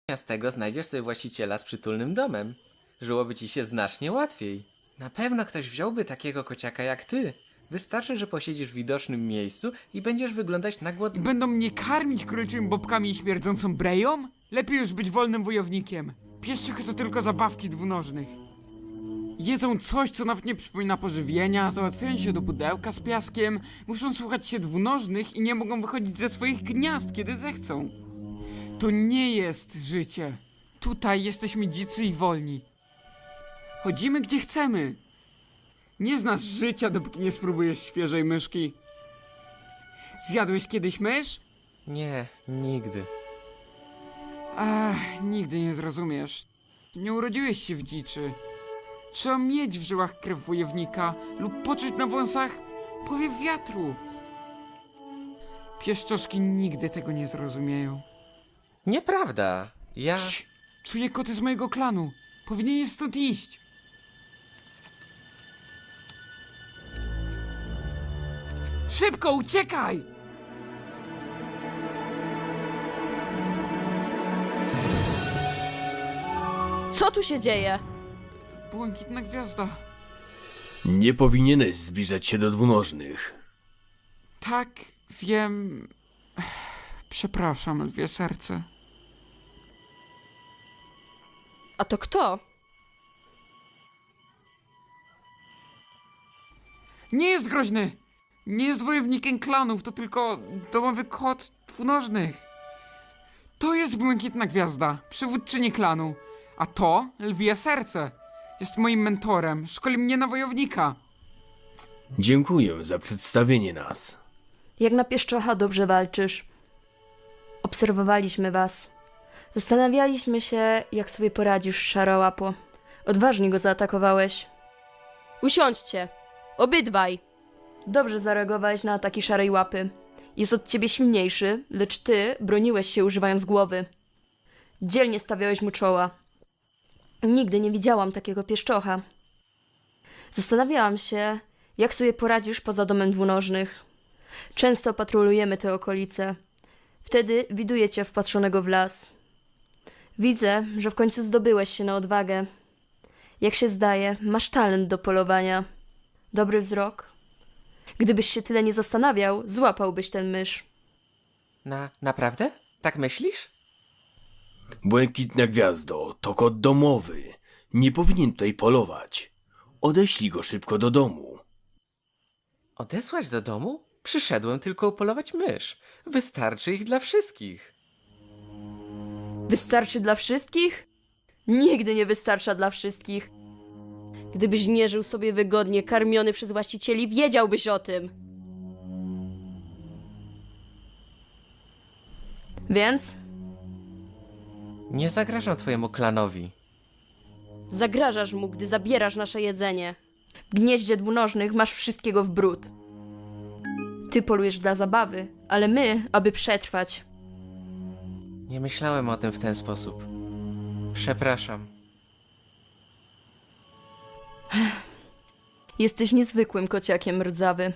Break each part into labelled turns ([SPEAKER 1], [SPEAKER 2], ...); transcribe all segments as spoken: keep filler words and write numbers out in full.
[SPEAKER 1] Z tego znajdziesz sobie właściciela z przytulnym domem. Żyłoby ci się znacznie łatwiej. Na pewno ktoś wziąłby takiego kociaka jak ty. Wystarczy, że posiedzisz w widocznym miejscu i będziesz wyglądać na
[SPEAKER 2] I
[SPEAKER 1] głodny.
[SPEAKER 2] będą mnie karmić króliczymi bobkami i śmierdzącą breją? Lepiej już być wolnym wojownikiem. Pieszczych to tylko zabawki dwunożnych. Jedzą coś, co nawet nie przypomina pożywienia, załatwiają się do pudełka z piaskiem, muszą słuchać się dwunożnych i nie mogą wychodzić ze swoich gniazd, kiedy zechcą. To nie jest życie. Tutaj jesteśmy dzicy i wolni. Chodzimy gdzie chcemy. Nie znasz życia, dopóki nie spróbujesz świeżej myszki. Zjadłeś kiedyś mysz?
[SPEAKER 1] Nie, nigdy.
[SPEAKER 2] Ach, nigdy nie zrozumiesz. Nie urodziłeś się w dziczy. Trzeba mieć w żyłach krew wojownika lub poczuć na wąsach powiew wiatru. Pieszczoszki nigdy tego nie zrozumieją.
[SPEAKER 1] Nieprawda. Ja...
[SPEAKER 2] Cii, czuję koty z mojego klanu. Powinieneś stąd iść. Szybko, uciekaj!
[SPEAKER 3] Co tu się dzieje?
[SPEAKER 2] Błękitna gwiazda.
[SPEAKER 4] Nie powinieneś zbliżać się do dwunożnych.
[SPEAKER 2] Tak, wiem. Przepraszam, lwie serce.
[SPEAKER 3] A to kto?
[SPEAKER 2] Nie jest groźny! Nie jest wojownikiem klanów, to tylko domowy kot dwunożnych. To jest Błękitna Gwiazda, przywódczyni klanu. A to lwie serce. Jest moim mentorem, szkoli mnie na wojownika.
[SPEAKER 4] Dziękuję za przedstawienie nas.
[SPEAKER 3] Jak na pieszczocha dobrze walczysz. Obserwowaliśmy was. Zastanawialiśmy się, jak sobie poradzisz, szarołapo. Odważnie go zaatakowałeś. Usiądźcie. Obydwaj. Dobrze zareagowałeś na ataki szarej łapy. Jest od ciebie silniejszy, lecz ty broniłeś się używając głowy. Dzielnie stawiałeś mu czoła. Nigdy nie widziałam takiego pieszczocha. Zastanawiałam się, jak sobie poradzisz poza domem dwunożnych. Często patrolujemy te okolice. Wtedy widuję cię wpatrzonego w las. Widzę, że w końcu zdobyłeś się na odwagę. Jak się zdaje, masz talent do polowania. Dobry wzrok. Gdybyś się tyle nie zastanawiał, złapałbyś ten mysz.
[SPEAKER 1] Na... naprawdę? Tak myślisz?
[SPEAKER 4] Błękitna Gwiazdo, to kot domowy. Nie powinien tutaj polować. Odeślij go szybko do domu.
[SPEAKER 1] Odesłać do domu? Przyszedłem tylko upolować mysz. Wystarczy ich dla wszystkich.
[SPEAKER 3] Wystarczy dla wszystkich? Nigdy nie wystarcza dla wszystkich. Gdybyś nie żył sobie wygodnie, karmiony przez właścicieli, wiedziałbyś o tym. Więc
[SPEAKER 1] Nie zagrażam twojemu klanowi.
[SPEAKER 3] zagrażasz mu, gdy zabierasz nasze jedzenie. W gnieździe dwunożnych masz wszystkiego w bród. Ty polujesz dla zabawy, ale my, aby przetrwać.
[SPEAKER 1] Nie myślałem o tym w ten sposób. Przepraszam.
[SPEAKER 3] Jesteś niezwykłym kociakiem rdzawy.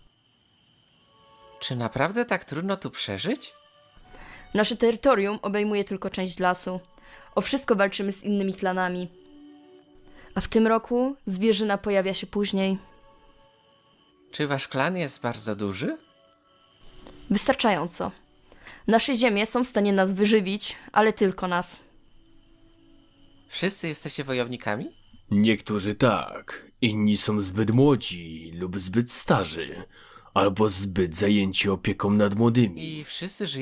[SPEAKER 1] Czy naprawdę tak trudno tu przeżyć?
[SPEAKER 3] Nasze terytorium obejmuje tylko część lasu. O wszystko walczymy z innymi klanami. A w tym roku zwierzyna pojawia się później.
[SPEAKER 1] Czy wasz klan jest bardzo duży?
[SPEAKER 3] Wystarczająco. Nasze ziemie są w stanie nas wyżywić, ale tylko nas.
[SPEAKER 1] Wszyscy jesteście wojownikami?
[SPEAKER 4] Niektórzy tak, inni są zbyt młodzi lub zbyt starzy, albo zbyt zajęci opieką nad młodymi.
[SPEAKER 1] I wszyscy żyją